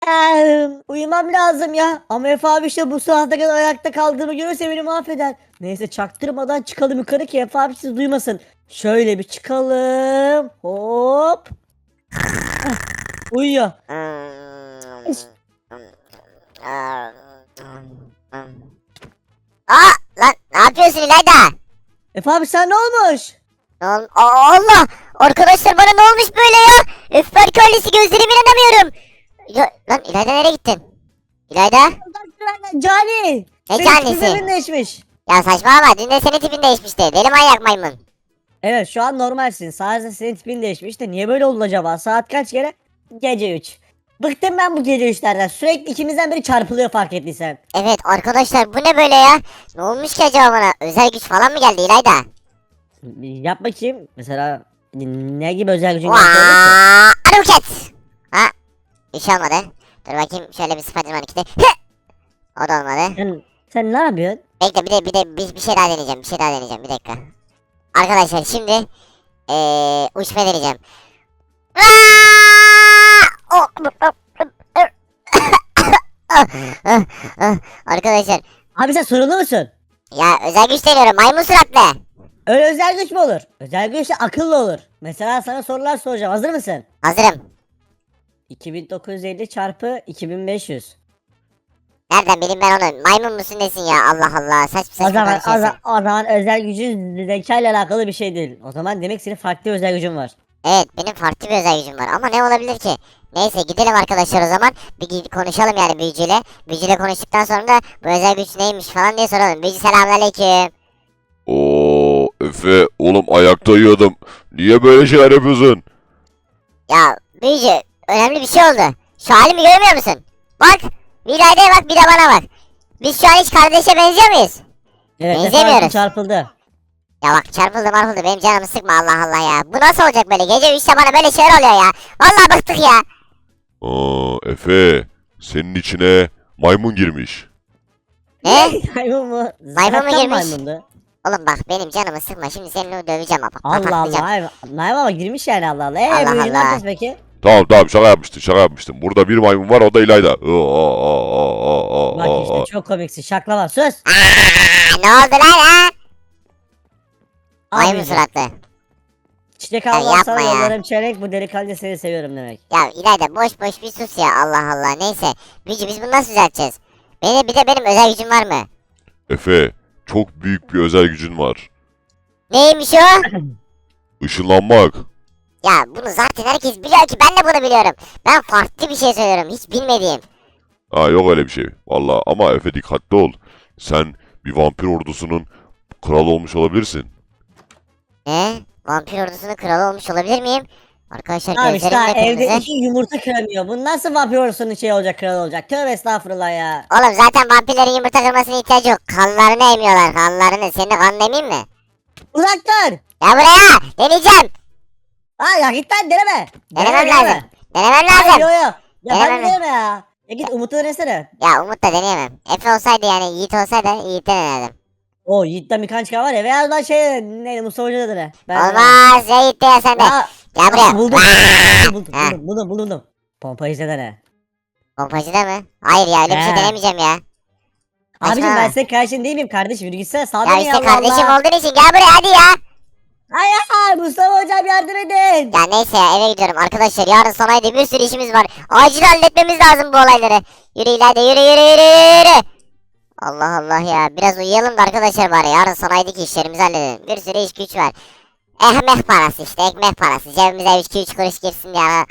Uyumam lazım ya. Ama Efe abi işte bu saate kadar ayakta kaldığımı görürse beni mahveder. Neyse çaktırmadan çıkalım yukarı ki Efe abi siz duymasın. Şöyle bir çıkalım. Hop. Heh, uyuyor. Aa lan ne yapıyorsun İlayda? Efe abi sen ne olmuş? Allah! Arkadaşlar bana ne olmuş böyle ya? Öfber köylüsü gözlerime inanamıyorum. Ya, lan İlayda nereye gittin? İlayda? Cani. Ne Senin canisi? tipin değişmiş. Ya saçmalama dün de senin tipin değişmişti. Deli manyak maymun. Evet şu an normalsin. Sadece senin tipin değişmiş de niye böyle oldu acaba? Saat kaç kere? Gece 3. Bıktım ben bu gece 3'lerden. Sürekli ikimizden biri çarpılıyor fark ettiysen. Evet arkadaşlar bu ne böyle ya? Ne olmuş ki acaba bana? Özel güç falan mı geldi İlayda? Yap bakayım. Mesela ne gibi özel gücün geldi söyle ki? Aruket! Ha? Bir şey olmadı. Dur bakayım şöyle bir Spiderman ikide. O da olmadı. Sen ne yapıyorsun? Bekle bir şey daha deneyeceğim. Bir şey daha deneyeceğim. Bir dakika. Arkadaşlar şimdi uçma deneyeceğim. Arkadaşlar Abi sen sorunlu musun? ya özel güç deniyorum maymun suratlı. Öyle özel güç mü olur? Özel güç de akıllı olur. Mesela sana sorular soracağım. Hazır mısın? Hazırım. 2950 çarpı 2500. Nereden bileyim ben onu? Maymun musun nesin ya? Allah Allah. Saçma O saçma zaman, konuşuyorsun. o zaman özel gücün zeka ile alakalı bir şey değil. O zaman demek senin farklı bir özel gücün var. Evet benim farklı bir özel gücüm var ama ne olabilir ki? Neyse gidelim arkadaşlar o zaman. Konuşalım yani büyücüyle. Büyücüyle konuştuktan sonra da bu özel güç neymiş falan diye soralım. Büyücü selamünaleyküm. Oo Efe oğlum ayakta uyuyordum. Niye böyle şeyler yapıyorsun? Ya büyücü önemli bir şey oldu. Şu halimi görmüyor musun? Bak bir İlayda'ya bak bir de bana bak. Biz şu an hiç kardeşe benziyor muyuz? Evet, Benzemiyoruz. efendim çarpıldı. Ya bak çarpıldı marpıldı benim canımı sıkma Allah Allah ya. Bu nasıl olacak böyle gece 3'te bana böyle şeyler oluyor ya. Vallahi bıktık ya. Aa Efe senin içine maymun girmiş. Ne? Maymun mu? Maymun mu Zaten girmiş? maymundu. Oğlum bak benim canımı sıkma şimdi seninle döveceğim ama. Allah Patlatacağım. Allah. Maymun ama girmiş yani Allah Allah. Allah Büyücü ne Allah. yapacağız peki? Tamam şaka yapmıştım. Burada bir maymun var o da İlayda. Bak işte çok komiksin. Şaklama sus. Ne oldu lan ha? Al Maymun büyücü. suratlı. Çiçek Ya almam yapma sana ya. yollarım çeyrek. Bu delikanlı seni seviyorum demek. Ya İlayda boş boş bir sus ya Allah Allah. Neyse. Büyücü biz bunu nasıl düzelteceğiz? Bir de benim özel gücüm var mı? Efe çok büyük bir özel gücün var. Neymiş o? Işınlanmak. Ya bunu zaten herkes biliyor ki ben de bunu biliyorum. Ben farklı bir şey söylüyorum hiç bilmediğim. Ha yok öyle bir şey. Valla ama Efe dikkatli ol. Sen bir vampir ordusunun kralı olmuş olabilirsin. Ne? Vampir ordusunun kralı olmuş olabilir miyim? Arkadaşlar Abi işte gözlerim ne evde kırmızı? iki yumurta kıramıyor. Bu nasıl vampir olsun şey olacak kral olacak. Tövbe estağfurullah ya. Oğlum zaten vampirlerin yumurta kırmasına ihtiyacı yok. Kanlarını emiyorlar kanlarını. Senin kanını emeyim mi? Uzak dur. Ya buraya deneyeceğim. Ha ya git lan deneme. Denemem Deneme. lazım. Denemem Hayır, lazım. yo yo. Ya ben Denemem. de deneme ya. Ya git Umut'u denesene. Ya Umut da deneyemem. Efe olsaydı yani Yiğit olsaydı Yiğit'ten denerdim. O Yiğit'ten birkaç çıkan var ya. Veya ben şey neydi Mustafa Hoca da dene. Olmaz ya Yiğit de ya sen de. Ya Gel buraya. buldum. Vaa! buldum Ha, buldum. Pompayı izle dene. pompacıda mı? Hayır ya öyle bir şey He. denemeyeceğim ya. Abicim ben Saçmalama. senin kardeşin değil miyim kardeşim? Yürü gitsene sağ Ya dön işte ya Allah kardeşim Allah. olduğun için gel buraya hadi ya. Hayır Mustafa Hocam yardım edin. Ya neyse ya eve gidiyorum arkadaşlar yarın sanayide bir sürü işimiz var. Acil halletmemiz lazım bu olayları. Yürü İlayda yürü. Allah Allah ya biraz uyuyalım da arkadaşlar bari yarın sanayideki işlerimizi halledelim. Bir sürü iş güç var. Ekmek parası işte ekmek parası cebimize 2-3 kuruş girsin ya.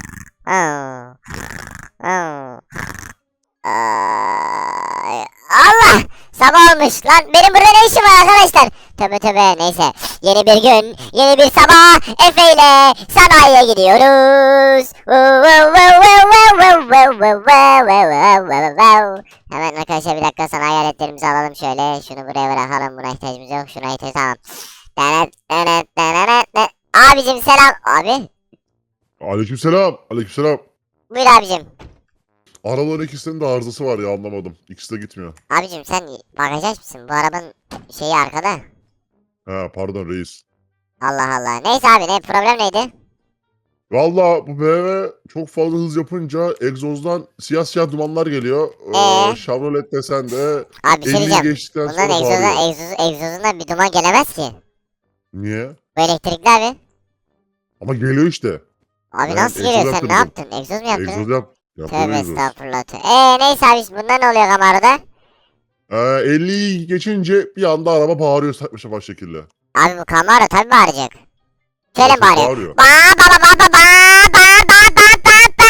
Allah sabah olmuş lan benim burada ne işim var arkadaşlar. Tövbe neyse yeni bir gün yeni bir sabah Efe ile sanayiye gidiyoruz. Hemen arkadaşlar bir dakika sanayi aletlerimizi alalım şöyle şunu buraya bırakalım buna ihtiyacımız yok şuna ihtiyaç tamam. Abicim selam abi Aleykümselam. Aleykümselam. buyur abicim. Arabaların ikisinin de arızası var ya anlamadım. İkisi de gitmiyor. Abicim sen bagaj açmışsın bu arabanın şeyi arkada. Ha pardon reis. Allah Allah. Neyse abi ne problem neydi? Valla bu BMW çok fazla hız yapınca egzozdan siyah siyah dumanlar geliyor. Chevrolet desen de Abi bir şey 50'yi diyeceğim. geçtikten Bunların sonra bağırıyor. egzozundan bir duman gelemez ki. Niye? Bu elektrikli abi. Ama geliyor işte. Abi Ben nasıl egzoz geliyor? Sen ne yaptırdım. yaptın? Egzoz mu yaptın? Egzoz yapıyor Tövbe egzoz. estağfurullah. Neyse abi bunda ne oluyor kamerada? 50'yi geçince bir anda araba bağırıyor saçma sapan şekilde. Abi bu kamera tabii bağıracak. Şöyle Çok bağırıyor. bağırıyor. Ba ba ba ba ba ba ba ba ba ba ba.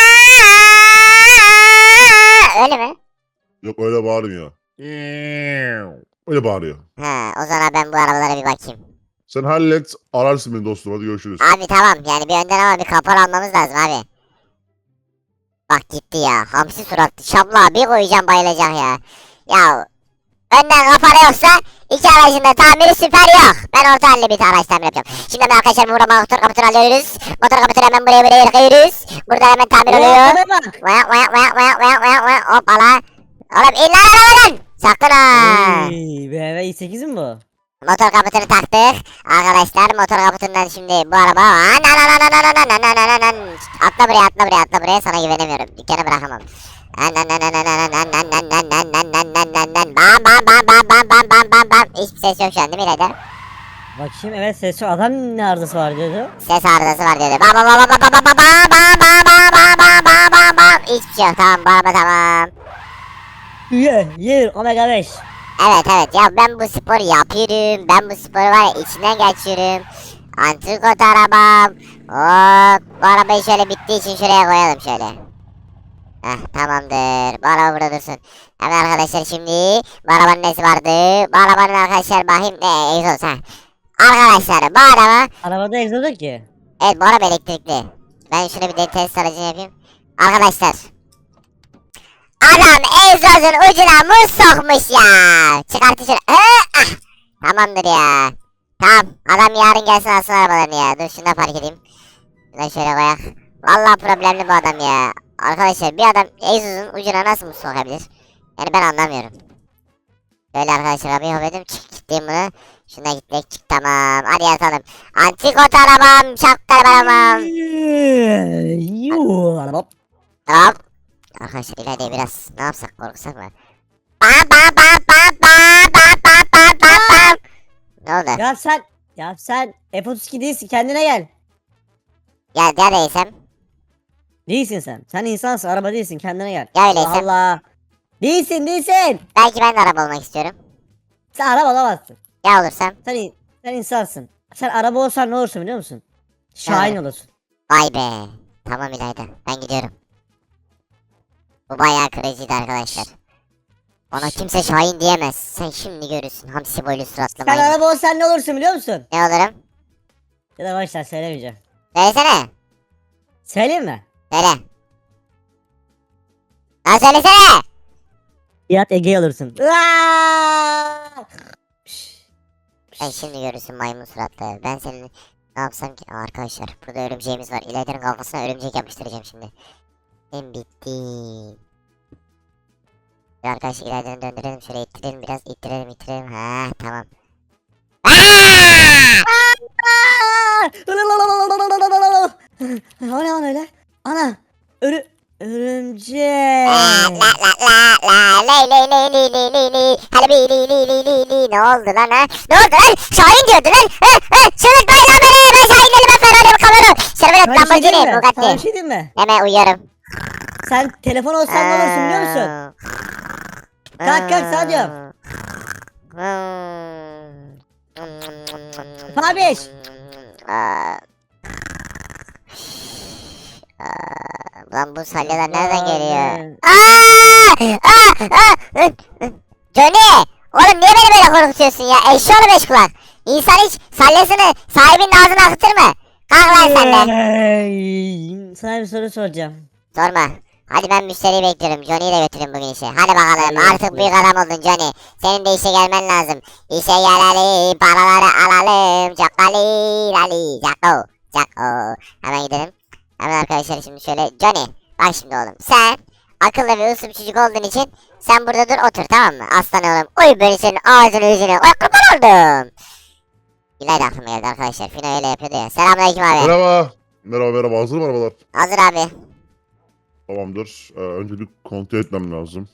Öyle mi? Yok öyle bağırmıyor. Öyle bağırıyor. Ha, o zaman ben bu arabalara bir bakayım. Sen hallet ararsın beni dostum hadi görüşürüz. Abi tamam yani bir önden ama bir kapor almamız lazım abi. Bak gitti ya. Hamsi suratlı. Şabla bir koyacağım bayılacak ya. Ya önden kapora yoksa iki aracın da tamiri süper yok. Ben orta halli bir araç tamir yapacağım. Şimdi ben arkadaşlar burada motor kaputunu alıyoruz. Motor kaputunu hemen buraya yıkıyoruz. Burada hemen tamir oluyor. Arabaya bak. Vayak vayak vayak vayak vayak vayak vayak. Hoppala. Oğlum in lan arabadan. Sakın ha. Ey, BMW i8 mi bu? Motor kaputunu taktık. Arkadaşlar motor kaputundan şimdi bu araba. Atla buraya atla buraya atla buraya. Sana güvenemiyorum. Dükkanı bırakamam. Bam bam bam bam bam bam bam bam bam. Hiçbir ses yok şu an değil mi İlayda? Bakayım evet ses şu adam ne arızası var diyordu. Ses arızası var dedi. Bam bam bam bam bam bam bam bam bam bam bam bam bam bam. Hiçbir şey yok tamam bu araba tamam. Ye Omega 5. Evet evet ya ben bu sporu yapıyorum. Ben bu sporu var ya içinden geçiyorum. Antrikot arabam. Hop bu arabayı şöyle bittiği için şuraya koyalım şöyle. Tamamdır. Bu araba burada dursun. Hemen arkadaşlar şimdi bu arabanın nesi vardı? Bu arabanın arkadaşlar bakayım ne egzoz ha. Arkadaşlar bu araba Arabada egzoz yok ki. evet bu araba elektrikli. Ben şuna bir de test aracını yapayım. Arkadaşlar adam egzozun ucuna muz sokmuş ya. Çıkartı şunu. Tamamdır ya. Tamam adam yarın gelsin alsın arabalarını ya. Dur şunu da park edeyim. Şunu şöyle koyak. Vallahi problemli bu adam ya. Arkadaşlar bir adam egzozun ucuna nasıl muz sokabilir? Yani ben anlamıyorum. Böyle arkadaşlar arabayı hop edeyim. Gittim bunu. Şuna gitmek çık tamam. Hadi yatalım. Antikot arabam. Şapkalı arabam. Yuh. Hop. Arkadaşlar ileride biraz ne yapsak korksak mı? Bam bam bam bam bam bam bam bam bam bam. Ne oldu? Ya sen F32 değilsin kendine gel. Ya neredeysem? Değilsin sen. Sen insansın araba değilsin kendine gel. Ya öyleyse. Allah Allah. Değilsin. Belki ben de araba olmak istiyorum. Sen araba olamazsın. Ya olursam? Sen insansın. Sen araba olsan ne olursun biliyor musun? Şahin olursun. Vay be. Tamam İlayda. Ben gidiyorum. Bu bayağı crazy'di arkadaşlar. Bana kimse Şahin diyemez. Sen şimdi görürsün hamsi boylu suratlı Sen maymun. araba olsan ne olursun biliyor musun? Ne olurum? Ya da başlar söylemeyeceğim. Söylesene. Söyleyeyim mi? Söyle. Lan söylesene. Fiat Ege olursun. Sen şimdi görürsün maymun suratlı. Ben senin ne yapsam ki? Arkadaşlar burada örümceğimiz var. İlayda'nın kafasına örümcek yapıştıracağım şimdi. Sen bittin. Bir arkadaşlar İlayda'nı döndürelim. Şöyle ittirelim biraz. İttirelim. Ha tamam. O ne lan öyle? Ana. Örümcek. La lay lay lay lay lay lay lay. Hele bir li li li li li. Ne oldu lan ha? Ne oldu lan? Şahin diyordu lan. Şırıtmayın lan beni. Ben Şahin değilim. Ben Ferrari'm kamera. Şerbelet Sana bir şey diyeyim Lamborghini. mi? Sana bir Bugatti. şey diyeyim mi? Hemen uyuyorum. Sen telefon olsan ne olursun biliyor musun? Kalk sana diyorum. Fabiş. Lan bu salyalar nereden geliyor? Ben- Johnny! Oğlum niye beni böyle korkutuyorsun ya? Eşşoğlu beş kulak. İnsan hiç salyasını sahibinin ağzına akıtır mı? Kalk lan sen de. Sana bir soru soracağım. Sorma. Hadi ben müşteriyi bekliyorum. Johnny'yi de götürün bugün işe. Hadi bakalım. Hadi, Artık hadi. büyük adam oldun Johnny. Senin de işe gelmen lazım. İşe gelelim. Paraları alalım. Cakali. Lali. Cako. Cako. Hemen gidelim. Hemen arkadaşlar şimdi şöyle. Johnny. Bak şimdi oğlum. Sen akıllı ve uslu bir çocuk olduğun için sen burada dur otur tamam mı? Aslan oğlum. Uy böyle senin ağzını yüzünü. Uy kurban oldum. İlayda aklıma geldi arkadaşlar. Fino öyle yapıyordu ya. Selamünaleyküm abi. Merhaba. Merhaba merhaba, hazır mı arabalar? Hazır abi. Tamamdır. Önce bir kontrol etmem lazım.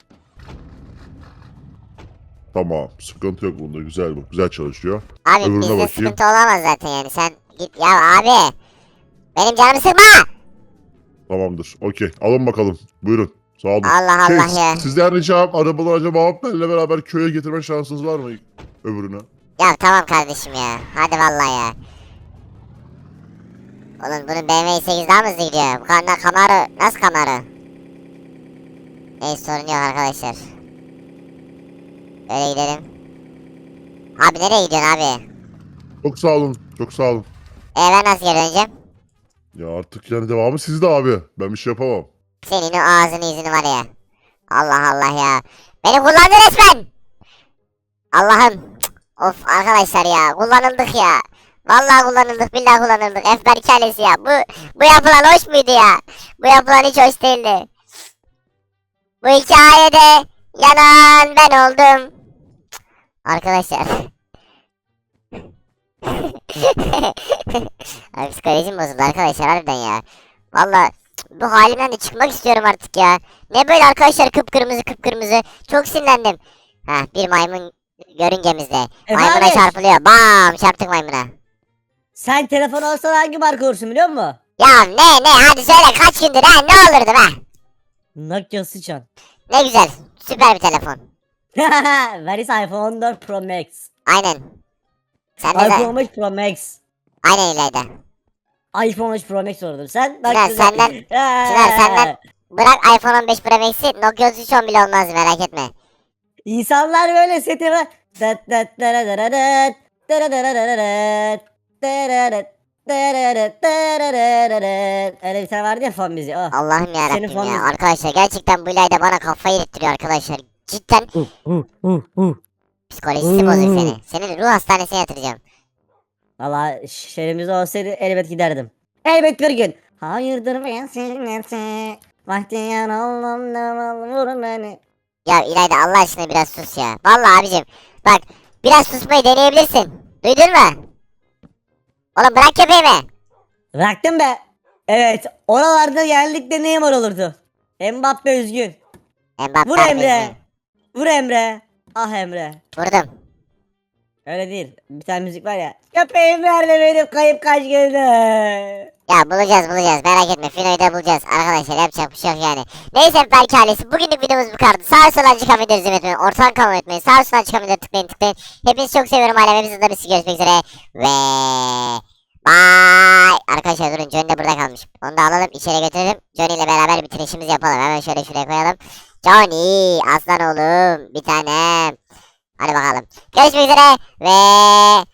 Tamam, sıkıntı yok bunda, güzel bu. Güzel çalışıyor. Abi Öbürüne bizde bakayım. sıkıntı olamaz zaten yani. Sen git ya abi. Benim canımı sıkma. Tamamdır. Okey. Alın bakalım. Buyurun. Sağ olun. Allah Şey, Allah ya. sizden ricam arabaları acaba benimle beraber köye getirme şansınız var mı? Öbürüne. Ya tamam kardeşim ya. Hadi vallahi ya. Oğlum bunun BMW 8 daha mı hızlı gidiyor? Bu kadar Camaro. Nasıl Camaro? Neyse sorun yok arkadaşlar. Böyle gidelim. Abi nereye gidiyorsun abi? Çok sağ olun. Çok sağ olun. Ben nasıl geri döneceğim? Ya artık yani devamı sizde abi. Ben bir şey yapamam. Senin o ağzını yüzünü var ya. Allah Allah ya. Beni kullandı resmen. Allah'ım. Cık. Of arkadaşlar ya. Kullanıldık ya. Vallahi kullanıldık. Billahi kullanıldık. Efber hikayesi ya. Bu yapılan hoş muydu ya? Bu yapılan hiç hoş değildi. Bu hikayede yanan ben oldum. Cık. Arkadaşlar. Abi psikolojim bozuldu arkadaşlar harbiden ya. Vallahi bu halimden de çıkmak istiyorum artık ya. Ne böyle arkadaşlar kıpkırmızı kıpkırmızı. Çok sinirlendim. Heh bir maymun görüngemizde. Maymuna Efendim? çarpılıyor. Bam çarptık maymuna. Sen telefon alsan hangi marka olursun biliyor musun? Ya ne hadi söyle kaç gündür ha ne olurdu be. Nokia sıçan. Ne güzel süper bir telefon. Where is iPhone 14 Pro Max? Aynen. Sen de iPhone 15 Pro Max. aynen İlayda. iPhone 13 Pro Max olurdu. Sen bak Çınar, güzel. senden- Çınar, senden- Bırak iPhone 15 Pro Max'i Nokia 3310 bile olmaz merak etme. İnsanlar böyle seti var. Dat dat daradadat, daradadadadat, daradat, daradat, daradadat. Öyle bir tane vardı ya fon müziği. Oh. Allah'ım Senin yarabbim fon ya. müziği. Arkadaşlar gerçekten bu İlayda bana kafayı yettiriyor arkadaşlar. Cidden psikolojisi bozuk seni. Seni ruh hastanesine yatıracağım. Valla şehrimiz olsaydı elbet giderdim. Elbet bir gün. Hayırdır ben sinneti. Vaktiyen oldum da vurun beni. Ya İlayda Allah aşkına biraz sus ya. Vallahi abicim bak biraz susmayı deneyebilirsin. Duydun mu? Oğlum bırak köpeğimi. Bıraktım be. Evet oralarda genellikle Neymar olurdu. Mbappe üzgün. Mbappe Vur harbi Emre. üzgün. Vur Emre. Ah Emre. Vurdum. Öyle değil. Bir tane müzik var ya. Köpeğim nerede benim kayıp kaç gündür. Ya bulacağız merak etme Fino'yu da bulacağız arkadaşlar yapacak bir şey yok yani. Neyse belki ailesi bugünlük videomuz bu kadar. Sağ sola çıkan videoları izlemeyi unutmayın. Ortadan kalmayı unutmayın. Sağ sola çıkan videoları tıklayın. Hepinizi çok seviyorum ailem. Hepinizle bir görüşmek üzere. Ve bye. Arkadaşlar durun Johnny de burada kalmış. Onu da alalım içeri götürelim. Johnny ile beraber bitirişimizi yapalım. Hemen şöyle şuraya koyalım. Johnny aslan oğlum bir tanem. Hadi bakalım. Görüşmek üzere ve